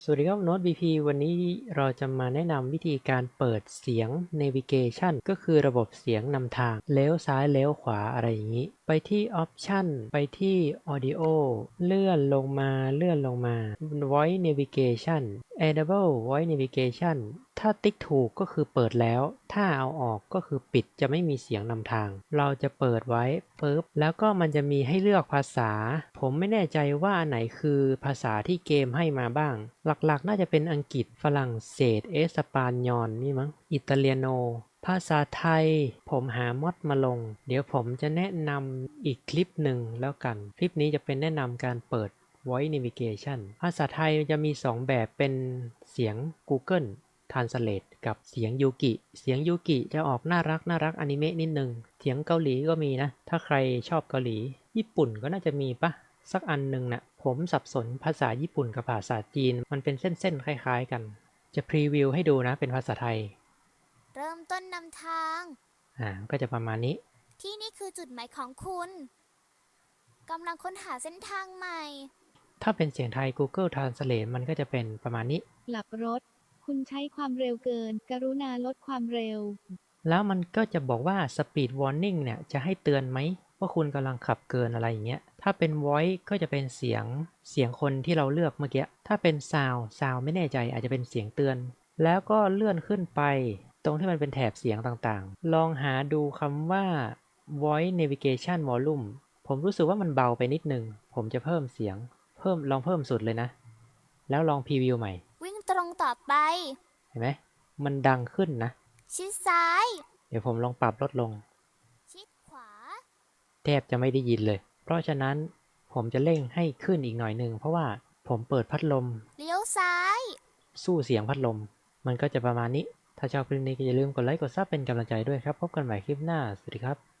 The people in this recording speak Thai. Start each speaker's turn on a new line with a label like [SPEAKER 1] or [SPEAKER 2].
[SPEAKER 1] สวัสดีครับโน้ต BP วันนี้เราจะมาแนะนำวิธีการเปิดเสียง Navigation ก็คือระบบเสียงนำทางเลี้ยวซ้ายเลี้ยวขวาอะไรอย่างนี้ไปที่ Option ไปที่ Audio เลื่อนลงมา Voice Navigation Enable Voice Navigation ถ้าติ๊กถูกก็คือเปิดแล้วถ้าเอาออกก็คือปิดจะไม่มีเสียงนำทางเราจะเปิดไว้ปุ๊บแล้วก็มันจะมีให้เลือกภาษาผมไม่แน่ใจว่าอันไหนคือภาษาที่เกมให้มาบ้างหลักๆน่าจะเป็นอังกฤษฝรั่งเศสเอสปานยอลนี่มั้งอิตาเลียโนภาษาไทยผมหามอดมาลงเดี๋ยวผมจะแนะนำอีกคลิปหนึ่งแล้วกันคลิปนี้จะเป็นแนะนำการเปิด Voice Navigation ภาษาไทยจะมี2แบบเป็นเสียง Google Translate กับเสียงยูกิจะออกน่ารักอนิเมะนิดนึงเสียงเกาหลีก็มีนะถ้าใครชอบเกาหลีญี่ปุ่นก็น่าจะมีปะสักอันหนึ่งนะผมสับสนภาษาญี่ปุ่นกับภาษาจีนมันเป็นเส้นๆคล้ายๆกันจะพรีวิวให้ดูนะเป็นภาษาไทย
[SPEAKER 2] เริ่มต้นนำทาง
[SPEAKER 1] ก็จะประมาณนี้
[SPEAKER 2] ที่นี่คือจุดหมายของคุณกำลังค้นหาเส้นทางใหม่
[SPEAKER 1] ถ้าเป็นเสียงไทย Google Translate มันก็จะเป็นประมาณนี้
[SPEAKER 3] กลับรถ คุณใช้ความเร็วเกิน กรุณาลดความเร็ว
[SPEAKER 1] แล้วมันก็จะบอกว่า Speed Warning เนี่ยจะให้เตือนไหมว่าคุณกำลังขับเกินอะไรอย่างเงี้ยถ้าเป็น Voice ก็จะเป็นเสียงคนที่เราเลือกเมื่อกี้ถ้าเป็น Sound ไม่แน่ใจอาจจะเป็นเสียงเตือนแล้วก็เลื่อนขึ้นไปตรงที่มันเป็นแถบเสียงต่างๆลองหาดูคำว่า Voice Navigation Volume ผมรู้สึกว่ามันเบาไปนิดนึงผมจะเพิ่มเสียงลองเพิ่มสุดเลยนะแล้วลองพรีวิวใหม่
[SPEAKER 2] วิ่งตรงต่อไป
[SPEAKER 1] เห็นไหมมันดังขึ้นนะ
[SPEAKER 2] ชิดซ้าย
[SPEAKER 1] เดี๋ยวผมลองปรับลดลง
[SPEAKER 2] ชิดขวา
[SPEAKER 1] แทบจะไม่ได้ยินเลย เพราะฉะนั้นผมจะเร่งให้ขึ้นอีกหน่อยหนึ่งเพราะว่าผมเปิดพัดลม
[SPEAKER 2] เลี้ยวซ้าย
[SPEAKER 1] สู้เสียงพัดลมมันก็จะประมาณนี้ ถ้าชอบคลิปนี้ก็อย่าลืมกดไลค์กดซับเป็นกำลังใจด้วยครับพบกันใหม่คลิปหน้าสวัสดีครับ